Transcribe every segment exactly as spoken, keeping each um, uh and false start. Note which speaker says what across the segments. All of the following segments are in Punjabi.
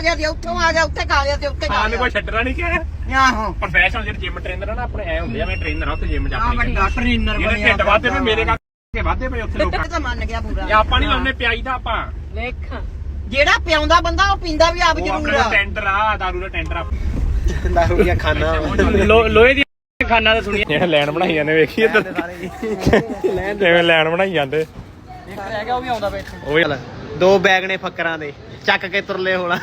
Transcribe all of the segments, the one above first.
Speaker 1: ਆ ਗਿਆ ਤੇ ਉੱਥੋਂ ਆ ਗਿਆ ਉੱਥੇ ਖਾ ਗਿਆ ਤੇ ਉੱਥੇ ਖਾ
Speaker 2: ਗਿਆ ਕੋਈ ਛੱਡਣਾ ਨਹੀਂ ਕਿ
Speaker 1: ਆਹੋ
Speaker 2: ਪ੍ਰੋਫੈਸ਼ਨਲ ਜਿਹੜੇ ਜਿਮ ਟ੍ਰੇਨਰ ਆ ਨਾ ਆਪਣੇ ਐ ਹੁੰਦੇ ਆ ਮੈਂ ਟ੍ਰੇਨਰ ਆ ਉੱਥੇ ਜਿਮ ਚ ਆਪਣੇ
Speaker 1: ਵੱਡਾ ਟ੍ਰੇਨਰ
Speaker 2: ਜਿਹੜੇ ਢਿੱਡ ਵਾਧੇ ਨੇ ਮੇਰੇ ਕਰਕੇ ਵਾਧੇ ਪਏ ਉੱਥੇ ਲੋਕਾਂ
Speaker 1: ਤਾਂ ਮੰਨ ਗਿਆ ਪੂਰਾ
Speaker 2: ਇਹ ਆਪਾਂ ਨਹੀਂ ਲਾਉਣੇ ਪਿਆਈ ਦਾ ਆਪਾਂ
Speaker 1: ਦੇਖ ਜਿਹੜਾ ਪਿਆਉਂਦਾ ਬੰਦਾ ਉਹ ਪੀਂਦਾ ਵੀ ਆਪ ਜ਼ਰੂਰ ਆ
Speaker 2: ਟੈਂਡਰ ਆ ਦਾਰੂ ਦਾ ਟੈਂਡਰ ਆ
Speaker 3: ਦਾਰੂ ਦੀਆਂ ਖਾਨਾ
Speaker 2: ਲੋਹੇ ਦੀ ਖਾਨਾ ਤਾਂ ਸੁਣੀ ਜਿਹੜਾ ਲੈਣ ਬਣਾਈ ਜਾਂਦੇ ਵੇਖੀ ਇੱਧਰ ਜਿਵੇਂ ਲੈਣ ਬਣਾਈ ਜਾਂਦੇ
Speaker 3: ਇੱਕ ਰਹਿ ਗਿਆ ਉਹ ਵੀ ਆਉਂਦਾ ਵੇ
Speaker 2: ਉਹ ਵੀ
Speaker 3: ਦੋ ਬੈਗ ਨੇ ਫੱਕਰਾਂ ਦੇ ਚੱਕ ਕੇ ਤੁਰਲੇ ਹੋਣਾ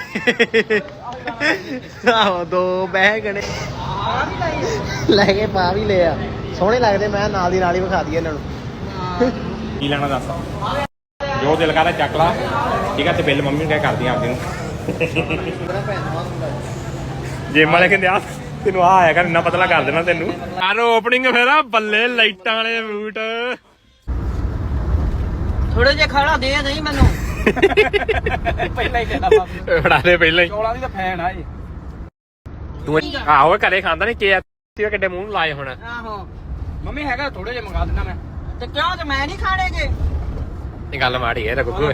Speaker 3: ਆਹੋ ਦੋ ਬੈਗ ਨੇ ਲੈ ਕੇ ਪਾ ਵੀ ਲਿਆ ਸੋਹਣੇ ਲੱਗਦੇ ਮੈਂ ਨਾਲ ਦੀ ਨਾਲ ਹੀ ਵਿਖਾ ਦਈਏ ਇਹਨਾਂ ਨੂੰ
Speaker 2: ਕੀ ਲੈਣਾ ਦੱਸ ਜੋ ਦਿਲ ਕਰਦਾ ਚੱਕ ਲਾ ਠੀਕ ਆ ਤੇ ਬਿੱਲ ਮੰਮੀ ਨੂੰ ਕਹਿ ਕਰਦੀ ਆਪਦੀ ਨੂੰ ਜਿਮ ਵਾਲੇ ਕਹਿੰਦੇ ਆ ਤੈਨੂੰ ਆ ਆਇਆ ਕਰ ਇੰਨਾ ਪਤਲਾ ਕਰ ਦੇਣਾ ਤੈਨੂੰ ਯਾਰ ਓਪਨਿੰਗ ਫੇਰ ਬੱਲੇ ਲਾਈਟਾਂ ਵਾਲੇ ਬੂਟ
Speaker 1: ਥੋੜੇ ਜਿਹਾ ਖਾਣਾ ਦੇ ਨਹੀਂ ਮੈਨੂੰ
Speaker 3: ਪਹਿਲਾਂ ਹੀ ਕਹਿੰਦਾ ਬਾਬੂ
Speaker 2: ਫੜਾ ਦੇ ਪਹਿਲਾਂ ਹੀ
Speaker 3: ਚੌਲਾਂ ਦੀ ਤਾਂ ਫੈਨ ਆ ਇਹ
Speaker 2: ਤੂੰ ਆਹੋ ਘਰੇ ਖਾਂਦਾ ਨਹੀਂ ਕੇ ਤੇ ਕਿੱਡੇ ਮੂੰਹ ਨੂੰ ਲਾਏ ਹੁਣ
Speaker 1: ਆਹੋ
Speaker 3: ਮੰਮੀ ਹੈਗਾ ਥੋੜੇ ਜਿਹਾ ਮੰਗਾ ਦਿੰਦਾ ਮੈਂ
Speaker 1: ਤੇ ਕਿਉਂ ਤੇ ਮੈਂ ਨਹੀਂ ਖਾਣੇਗੇ
Speaker 2: ਇਹ ਗੱਲ ਮਾੜੀ ਹੈ ਤਾਂ ਗੁੱਗੂ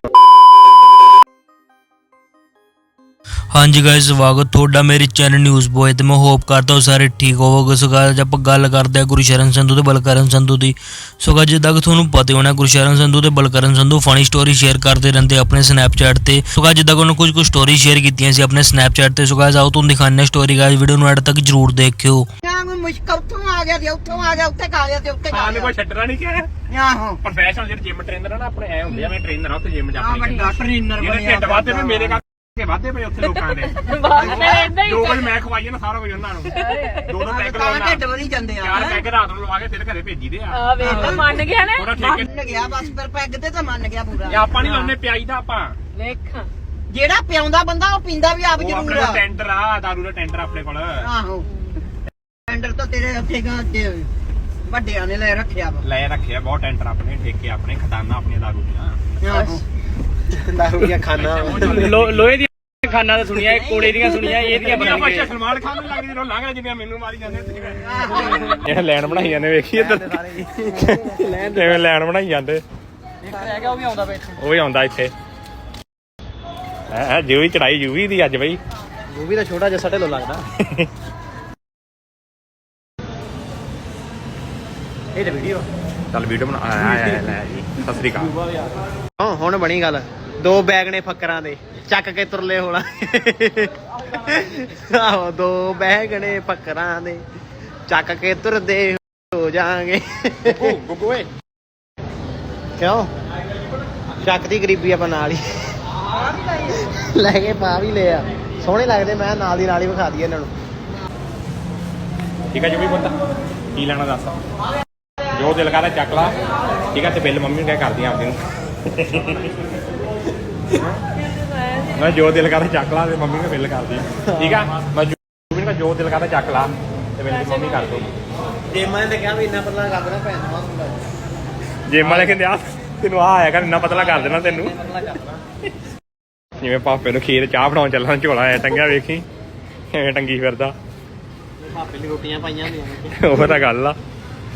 Speaker 4: ਹਾਂਜੀ ਗਾਇਸ ਸਵਾਗਤ ਤੁਹਾਡਾ ਮੇਰੇ ਚੈਨਲ ਨਿਊਜ਼ ਬੋਏ ਤੇ ਮੈਂ ਹੋਪ ਕਰਦਾ ਹਾਂ ਸਾਰੇ ਠੀਕ ਹੋਵੋਗੇ। ਸੋ ਗਾਇਸ ਆਪਾਂ ਗੱਲ ਕਰਦੇ ਹਾਂ ਗੁਰਸ਼ਰਨ ਸੰਧੂ ਤੇ ਬਲਕਰਨ ਸੰਧੂ ਦੀ। ਸੋ ਗਾਇਸ ਜਿੱਦਾਂ ਕਿ ਤੁਹਾਨੂੰ ਪਤਾ ਹੋਣਾ ਗੁਰਸ਼ਰਨ ਸੰਧੂ ਤੇ Balkaran Sandhu funny story share ਕਰਦੇ ਰਹਿੰਦੇ ਆਪਣੇ ਸਨੈਪਚੈਟ ਤੇ। ਸੋ ਗਾਇਸ ਜਿੱਦਾਂ ਕਿ ਉਹਨਾਂ ਕੁਝ ਕੁ ਸਟੋਰੀ ਸ਼ੇਅਰ ਕੀਤੀਆਂ ਸੀ ਆਪਣੇ ਸਨੈਪਚੈਟ ਤੇ। ਸੋ ਗਾਇਸ ਆਓ ਤੁਹਾਨੂੰ ਦਿਖਾਉਂਦੇ ਹਾਂ ਸਟੋਰੀ ਗਾਇਸ ਵੀਡੀਓ ਨੂੰ ਐਡ ਤੱਕ ਜਰੂਰ ਦੇਖਿਓ।
Speaker 1: ਕੋਈ ਮੁਸ਼ਕਲ ਉੱਥੋਂ ਆ ਗਿਆ ਤੇ ਉੱਥੋਂ ਆ ਗਿਆ ਉੱਥੇ ਖਾ ਗਿਆ ਤੇ ਉੱਥੇ ਖਾ
Speaker 2: ਹਾਂ ਕੋਈ ਛੱਡਣਾ ਨਹੀਂ ਕਿ
Speaker 1: ਆਹੋ
Speaker 2: ਪ੍ਰੋਫੈਸ਼ਨਲ ਜਿਹੜੇ ਜਿਮ ਟ੍ਰੇਨਰ ਆ ਨਾ ਆਪਣੇ ਐ ਹੁੰਦੇ ਆ ਮੈਂ ਟ੍ਰੇਨਰ ਆ ਉੱਥੇ ਜਿਮ ਚ
Speaker 1: ਆ
Speaker 2: ਆਪਣੇ
Speaker 1: ਵੱਡਾ ਟ੍ਰੇਨਰ
Speaker 2: ਜਿਹੜੇ ਢਿੱਡ ਵਾਧੇ ਨੇ ਮੇਰੇ ਕਰਕੇ ਵਾਧੇ ਪਏ ਉੱਥੇ ਲੋਕਾਂ ਦੇ ਜੋ ਕੁਝ ਮੈਂ ਖਵਾਈਏ ਨਾ ਸਾਰਾ ਕੁਝ ਉਹਨਾਂ ਨੂੰ ਦੋ ਦੋ ਪੈਗ
Speaker 1: ਤਾਂ
Speaker 2: ਲਾਉਣਾ
Speaker 1: ਢਿੱਡ ਵਧੀ ਜਾਂਦੇ ਆ
Speaker 2: ਚਾਰ ਪੈਗ ਰਾਤ ਨੂੰ ਲਵਾ ਕੇ ਫਿਰ ਘਰੇ ਭੇਜੀ ਦੇ ਆ
Speaker 5: ਆ ਵੇਖ ਮੰਨ ਗਿਆ ਨਾ
Speaker 2: ਪੂਰਾ ਠੇਕੇ
Speaker 1: ਮੰਨ ਗਿਆ ਬਸ ਫਿਰ ਪੈਗ ਤੇ ਤਾਂ ਮੰਨ ਗਿਆ ਪੂਰਾ
Speaker 2: ਇਹ ਆਪਾਂ ਨਹੀਂ ਲਾਉਣੇ ਪਿਆਈ ਦਾ ਆਪਾਂ
Speaker 5: ਵੇਖ
Speaker 1: ਜਿਹੜਾ ਪਿਆਉਂਦਾ ਬੰਦਾ ਉਹ ਪੀਂਦਾ ਵੀ ਆਪ
Speaker 2: ਉਹ
Speaker 1: ਜ਼ਰੂਰ
Speaker 2: ਆਪਣਾ
Speaker 1: ਆ
Speaker 2: ਟੈਂਡਰ ਆ ਦਾਰੂ ਦਾ ਟੈਂਡਰ ਆਪਣੇ ਕੋਲ
Speaker 1: ਆਹੋ ਟੈਂਡਰ ਤਾਂ ਤੇਰੇ ਉੱਥੇ ਗਾ ਤੇ ਵੱਡਿਆਂ ਨੇ ਲੈ ਰੱਖਿਆ ਵਾ
Speaker 2: ਲੈ ਰੱਖਿਆ ਬਹੁਤ ਟੈਂਡਰ ਆਪਣੇ ਠੇਕੇ ਆਪਣੇ ਖਜ਼ਾਨਾ ਆਪਣੀਆਂ ਦਾਰੂ ਦੀਆਂ
Speaker 1: ਆਹੋ
Speaker 3: ਦਾਰੂ ਦੀਆਂ ਖਾਨਾ
Speaker 2: ਲੋਹੇ ਦੀ
Speaker 3: ਖਾਨਾ ਤਾਂ ਸੁਣੀਆਂ ਕੋੜੇ ਦੀਆਂ ਸੁਣੀਆਂ ਇਹਦੀਆਂ
Speaker 2: ਬਣਾਈਆਂ ਸਲਮਾਨ ਖਾਨ ਨੂੰ ਲੱਗਦੀ ਰੋ ਲੰਘ ਜਿਵੇਂ ਮੈਨੂੰ ਮਾਰੀ ਜਾਂਦੇ ਇਹ ਲੈਣ ਬਣਾਈ ਜਾਂਦੇ ਵੇਖੀ ਇੱਧਰ ਜਿਵੇਂ ਲੈਣ ਬਣਾਈ ਜਾਂਦੇ
Speaker 3: ਇੱਕ ਰਹਿ ਗਿਆ ਉਹ ਵੀ ਆਉਂਦਾ ਵੇ
Speaker 2: ਉਹ ਵੀ ਆਉਂਦਾ ਇੱਥੇ ਹੈ ਜੂਵੀ ਚੜਾਈ ਜੂਵੀ ਦੀ ਅੱਜ ਬਈ
Speaker 3: ਉਹ ਵੀ ਤਾਂ ਛੋਟਾ ਜਿਹਾ ਸਾਡੇ ਲੋ ਲੱਗਦਾ ਇਹ ਤਾਂ ਵੀਡੀਓ
Speaker 2: ਚੱਲ ਵੀਡੀਓ ਬਣਾ ਆ ਲੈ ਜੀ ਸਤਿ ਸ੍ਰੀ ਅਕਾਲ
Speaker 3: ਹਾਂ ਹੁਣ ਬਣੀ ਗੱਲ ਦੋ ਬੈਗ ਨੇ ਫੱਕਰਾਂ ਦੇ ਚੱਕ ਕੇ ਤੁਰਲੇ ਹੋਣਾ ਆਹੋ ਦੋ ਬੈਗ ਨੇ ਫੱਕਰਾਂ ਦੇ ਚੱਕ ਕੇ ਤੁਰਦੇ ਹੋ ਜਾਾਂਗੇ
Speaker 2: ਗੁੱਗੂ ਓਏ
Speaker 3: ਕਿਉਂ ਚੱਕ ਦੀ ਗਰੀਬੀ ਆਪਾਂ ਨਾਲ ਹੀ ਲੈ ਕੇ ਪਾ ਵੀ ਲਿਆ ਸੋਹਣੇ ਲੱਗਦੇ ਮੈਂ ਨਾਲ ਦੀ ਨਾਲ ਹੀ ਵਿਖਾ ਦਈਏ ਇਹਨਾਂ ਨੂੰ
Speaker 2: ਠੀਕ ਆ ਜੂਵੀ ਪੁੱਤ ਕੀ ਲੈਣਾ ਦੱਸ ਜੋ ਦਿਲ ਕਰਦਾ ਚੱਕ ਲਾ ਠੀਕ ਆ ਤੇ ਬਿੱਲ ਮੰਮੀ ਨੂੰ ਕਹਿ ਕਰਦੀ ਆਪਦੀ ਨੂੰ ਮੈਂ ਜੋ ਦਿਲ ਕਰਦਾ ਚੱਕ ਲਾ ਤੇ ਮੰਮੀ ਨੂੰ ਬਿੱਲ ਕਰਦੀ ਠੀਕ ਆ ਮੈਂ ਜੂਵੀ ਨੂੰ ਜੋ ਦਿਲ ਕਰਦਾ ਚੱਕ ਲਾ ਤੇ ਬਿੱਲ ਮੰਮੀ ਕਰ ਦੋ
Speaker 3: ਜਿਮਾਂ ਨੇ ਕਿਹਾ ਵੀ ਇੰਨਾ ਪਤਲਾ ਕਰ ਦੇਣਾ ਭੈਣ ਦਾ ਹੁੰਦਾ
Speaker 2: ਜਿਮ ਵਾਲੇ ਕਹਿੰਦੇ ਆ ਤੈਨੂੰ ਆ ਆਇਆ ਕਰ ਇੰਨਾ ਪਤਲਾ ਕਰ ਦੇਣਾ ਤੈਨੂੰ ਜਿਵੇਂ ਪਾਪੇ ਨੂੰ ਖੀਰ ਚਾਹ ਬਣਾਉਣ ਚੱਲਣਾ ਝੋਲਾ ਐ ਟੰਗਿਆ ਵੇਖੀ ਐਵੇਂ ਟੰਗੀ ਫਿਰਦਾ
Speaker 3: ਪਾਪੇ ਲਈ ਰੋਟੀਆਂ ਪਾਈਆਂ ਹੁੰਦੀਆਂ
Speaker 2: ਉਹ ਤਾਂ ਗੱਲ ਆ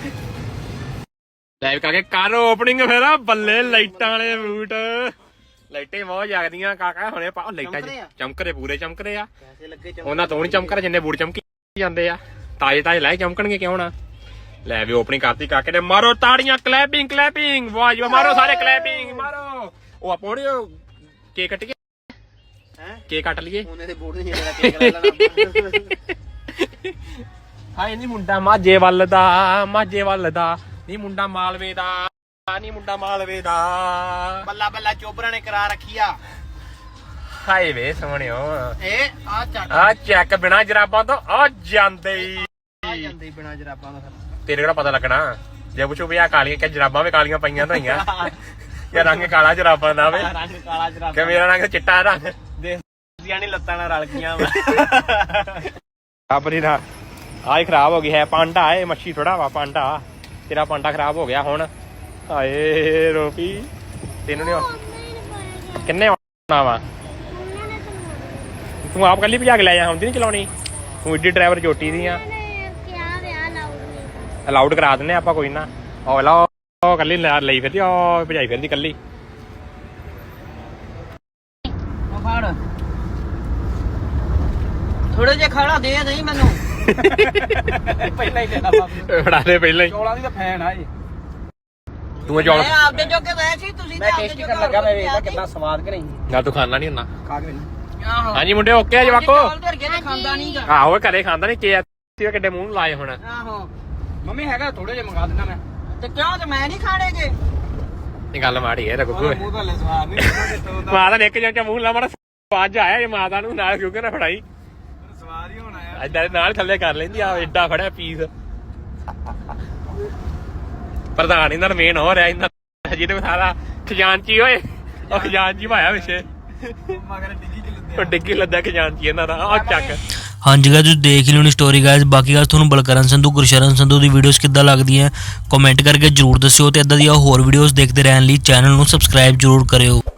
Speaker 2: ਲਾਈਵ ਕਰਕੇ ਕਰ ਓਪਨਿੰਗ ਫੇਰ ਬੱਲੇ ਲਾਈਟਾਂ ਵਾਲੇ ਬੂਟ ਲਾਈਟਾਂ ਬਹੁਤ ਜਗਦੀਆਂ ਕਾਕਾ ਹੁਣੇ ਪਾ ਲਾਈਟਾਂ ਚਮਕਰੇ ਪੂਰੇ ਚਮਕਰੇ ਆ ਉਹਨਾਂ ਤੋਂ ਨਹੀਂ ਚਮਕਰੇ ਜਿੰਨੇ ਬੂਟ ਚਮਕੀ ਜਾਂਦੇ ਆ ਤਾਜ਼ੇ ਤਾਜ਼ੇ ਲੈ ਚਮਕਣਗੇ ਕਿਉਂ ਨਾ ਲੈ ਵੀ ਓਪਨਿੰਗ ਕਰਤੀ ਕਾਕੇ ਨੇ ਮਾਰੋ ਤਾੜੀਆਂ ਕਲੈਪਿੰਗ ਕਲੈਪਿੰਗ ਵਾਹ ਜੀ ਮਾਰੋ ਸਾਰੇ ਕਲੈਪਿੰਗ ਮਾਰੋ ਉਹ ਆਪੋੜੇ ਕੇਕ ਕੱਟ ਕੇ ਹੈ ਕੇਕ ਕੱਟ ਲਈਏ
Speaker 3: ਉਹਨੇ ਤੇ ਬੋਰਡ ਨਹੀਂ ਜਿਹੜਾ ਕੇਕ ਲੈ ਲੈਣਾ
Speaker 2: ਹਾਏ ਨੀ ਮੁੰਡਾ ਮਾਝੇ ਵੱਲ ਦਾ ਮਾਝੇ ਵੱਲ ਦਾ ਨੀ ਮੁੰਡਾ ਮਾਲਵੇ ਦਾ ਨੀ ਮੁੰਡਾ ਮਾਲਵੇ ਦਾ
Speaker 3: ਬੱਲਾ ਬੱਲਾ ਚੋਬਰਾਂ ਨੇ ਕਰਾ ਰੱਖੀ ਆ
Speaker 2: ਹਾਏ ਵੇ ਸੋਹਣਿਓ
Speaker 3: ਇਹ ਆ ਚੱਕ
Speaker 2: ਆ ਚੈੱਕ ਬਿਨਾ ਜਰਾਬਾਂ ਤੋਂ ਆ ਜਾਂਦੇ
Speaker 3: ਆ ਜਾਂਦੇ ਬਿਨਾ ਜਰਾਬਾਂ ਦਾ
Speaker 2: ਤੇਰੇ ਕਿਹੜਾ ਪਤਾ ਲੱਗਣਾ ਜੇ ਪੁੱਛੋ ਵੀ ਆ ਕਾਲੀਆਂ ਕਿ ਜਰਾਬਾਂ ਵੀ ਕਾਲੀਆਂ ਪਈਆਂ ਤਾਂ ਯਾ ਰੰਗ ਕਾਲਾ ਜਰਾਬਾਂ ਦਾ ਵੇ
Speaker 3: ਰੰਗ ਕਾਲਾ ਜਰਾਬਾਂ
Speaker 2: ਕਿ ਮੇਰਾ ਰੰਗ ਚਿੱਟਾ ਰੰਗ
Speaker 3: ਦੇਸੀਆਂ ਨਹੀਂ ਲੱਤਾਂ ਨਾਲ ਰਲ ਗਈਆਂ
Speaker 2: ਆਪਣੀ ਨਾ ਆਹ ਖਰਾਬ ਹੋ ਗਈ ਹੈ ਪਾਂਡਾ ਇਹ ਮੱਛੀ ਥੋੜਾ ਵਾ ਪਾਂਡਾ ਤੇਰਾ ਪਾਂਡਾ ਖਰਾਬ ਹੋ ਗਿਆ ਹੁਣ ਹਾਏ ਰੋਪੀ ਤੈਨੂੰ ਨੀ ਕਿੰਨੇ ਆਉਣਾ ਵਾ ਤੂੰ ਆਪ ਕੱਲੀ ਭਜਾ ਕੇ ਲੈ ਜਾ ਹੁੰਦੀ ਨੀ ਚਲਾਉਣੀ ਤੂੰ ਏਡੀ ਡਰਾਈਵਰ ਚੋਟੀ ਦੀ ਆ ਅਲਾਉਡ ਕਰਾ ਦਿੰਨੇ ਆਪਾਂ ਕੋਈ ਨਾ ਉਹ ਲਾ ਉਹ ਕੱਲੀ ਲਈ ਫਿਰਦੀ ਉਹ ਭਜਾਈ ਫਿਰਦੀ ਕੱਲੀ
Speaker 1: ਉਹ ਫੜ ਥੋੜੇ ਜਿਹਾ ਖਾਣਾ ਦੇ ਨਹੀਂ ਮੈਨੂੰ
Speaker 3: ਪਹਿਲਾਂ ਹੀ ਦੇਣਾ ਬਾਬੂ
Speaker 2: ਫੜਾ ਦੇ ਪਹਿਲਾਂ ਹੀ
Speaker 3: ਚੌਲਾਂ ਦੀ ਤਾਂ ਫੈਨ ਆ ਇਹ
Speaker 2: ਤੂੰ ਚੌਲ
Speaker 1: ਮੈਂ ਆਪਦੇ ਜੋਗੇ ਗਏ ਸੀ ਤੁਸੀਂ
Speaker 3: ਮੈਂ ਟੇਸਟੀ ਕਰਨ ਲੱਗਾ ਮੈਂ ਵੇਖਦਾ ਕਿੰਨਾ ਸਵਾਦ ਕਿ ਨਹੀਂ
Speaker 2: ਨਾ ਤੂੰ ਖਾਣਾ ਨਹੀਂ ਹੁੰਦਾ
Speaker 3: ਖਾ ਕੇ ਵੇਖ
Speaker 1: ਆਹੋ
Speaker 2: ਹਾਂਜੀ ਮੁੰਡੇ ਓਕੇ ਆ ਜਵਾਕੋ
Speaker 1: ਚੌਲ ਧਰ ਕੇ ਤੇ ਖਾਂਦਾ ਨਹੀਂਗਾ
Speaker 2: ਆਹੋ ਘਰੇ ਖਾਂਦਾ ਨਹੀਂ ਕੇ ਆ ਕਿੱਡੇ ਮੂੰਹ ਨੂੰ ਲਾਏ ਹੁਣ
Speaker 1: ਆਹੋ
Speaker 3: ਮੰਮੀ ਹੈਗਾ ਥੋੜੇ ਜਿਹਾ ਮੰਗਾ ਦਿੰਦਾ ਮੈਂ
Speaker 1: ਤੇ ਕਿਉਂ ਤੇ ਮੈਂ ਨਹੀਂ ਖਾਣੇਗੇ
Speaker 2: ਇਹ ਗੱਲ ਮਾੜੀ ਹੈ ਤੇ ਗੁੱਗੂ
Speaker 3: ਮੂੰਹ ਤਾਂ ਲੈ ਸਵਾਦ ਨਹੀਂ
Speaker 2: ਮਾਤਾ ਨੇ ਇੱਕ ਚਮਚਾ ਮੂੰਹ ਲਾ ਮਾੜਾ ਸਵਾਦ ਜਿਹਾ ਆਇਆ ਜੇ ਮਾਤਾ ਨੂੰ ਨਾਲ ਕਿਉਂਕਿ ਨਾ ਫੜਾਈ
Speaker 3: ਸਵਾਦ ਹੀ ਹੋਣਾ ਯਾਰ
Speaker 2: ਏਦਾਂ ਦੇ ਨਾਲ ਥੱਲੇ ਕਰ ਲੈਂਦੀ ਆ ਏਡਾ ਫੜਿਆ ਪੀਸ ਪ੍ਰਧਾਨ ਇਹਨਾਂ ਦਾ ਮੇਨ ਹੋ ਰਿਹਾ ਇਹਨਾਂ ਜਿਹਦੇ ਸਾਰਾ ਖਜ਼ਾਨਚੀ ਓਏ ਉਹ ਖਜ਼ਾਨਚੀ ਭਾਇਆ ਵਿਸ਼ੇ
Speaker 3: ਮਗਰ ਡਿੱਗੀ ਚ ਲੱਦਿਆ
Speaker 2: ਉਹ ਡਿੱਗੀ ਲੱਦਾ ਖਜ਼ਾਨਚੀ ਇਹਨਾਂ ਦਾ ਆ ਚੱਕ
Speaker 4: ਹਾਂਜੀ ਗਾਇਸ ਤੁਸੀਂ ਦੇਖ ਹੀ ਲਿਓਣੀ ਸਟੋਰੀ ਗਾਇਸ ਬਾਕੀ ਗਾਇਸ ਤੁਹਾਨੂੰ ਬਲਕਰਨ ਸੰਧੂ ਗੁਰਸ਼ਰਨ ਸੰਧੂ ਦੀ ਵੀਡੀਓਜ਼ ਕਿੱਦਾਂ ਲੱਗਦੀਆਂ ਕਮੈਂਟ ਕਰਕੇ ਜਰੂਰ ਦੱਸਿਓ ਤੇ ਇਦਾਂ ਦੀਆਂ ਹੋਰ ਵੀਡੀਓਜ਼ ਦੇਖਦੇ ਰਹਿਣ ਲਈ ਚੈਨਲ ਨੂੰ ਸਬਸਕ੍ਰਾਈਬ ਜਰੂਰ ਕਰਿਓ।